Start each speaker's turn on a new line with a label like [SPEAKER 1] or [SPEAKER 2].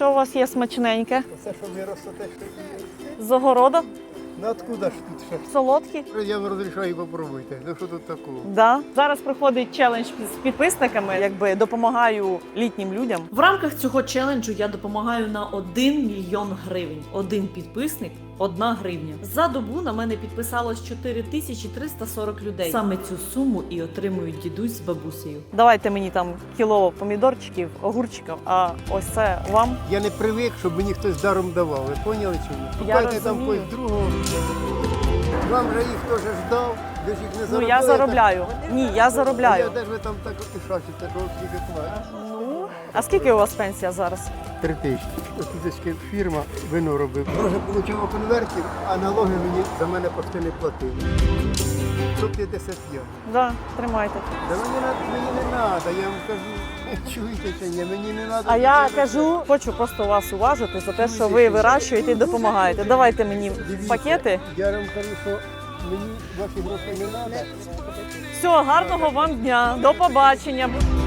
[SPEAKER 1] Що у вас є смачненьке?
[SPEAKER 2] Це що ми ростете, що
[SPEAKER 1] З огороду?
[SPEAKER 2] ну откуда ж тут ще?
[SPEAKER 1] Солодкі?
[SPEAKER 2] Я вам розрішаю, попробуйте. Ну що тут такого?
[SPEAKER 1] Да. Зараз проходить челендж з підписниками, якби допомагаю літнім людям. В рамках цього челенджу я допомагаю на 1 мільйон гривень. Один підписник – 1 гривня. За добу на мене підписалось 4340 людей. Саме цю суму і отримують дідусь з бабусею. Давайте мені там кіло помідорчиків, огурчиків, а ось це вам.
[SPEAKER 2] Я не привик, щоб мені хтось даром давав. Ви поняли чи ні?
[SPEAKER 1] Я
[SPEAKER 2] Шукайте там
[SPEAKER 1] розумію.
[SPEAKER 2] когось другого. Вам же їх теж ждав, ви ж їх не
[SPEAKER 1] Ну
[SPEAKER 2] заробили.
[SPEAKER 1] я заробляю. Ні, я
[SPEAKER 2] Я
[SPEAKER 1] заробляю.
[SPEAKER 2] де ж ви там так от і шачите, що скільки платите?
[SPEAKER 1] Ну, а скільки у вас пенсія зараз?
[SPEAKER 2] 3000. Ось фірма вино робив. Може, отримав конвертів, а налоги мені за мене почти не платили. 155.
[SPEAKER 1] Да, тримайте.
[SPEAKER 2] Та мені не треба, я вам кажу, чуєте чи ні, мені не треба.
[SPEAKER 1] А я кажу, хочу просто вас уважити за те, що ви вирощуєте і допомагаєте. Давайте мені пакети.
[SPEAKER 2] Я вам кажу, що мені ваші гроші не треба.
[SPEAKER 1] Всього гарного вам дня. До побачення.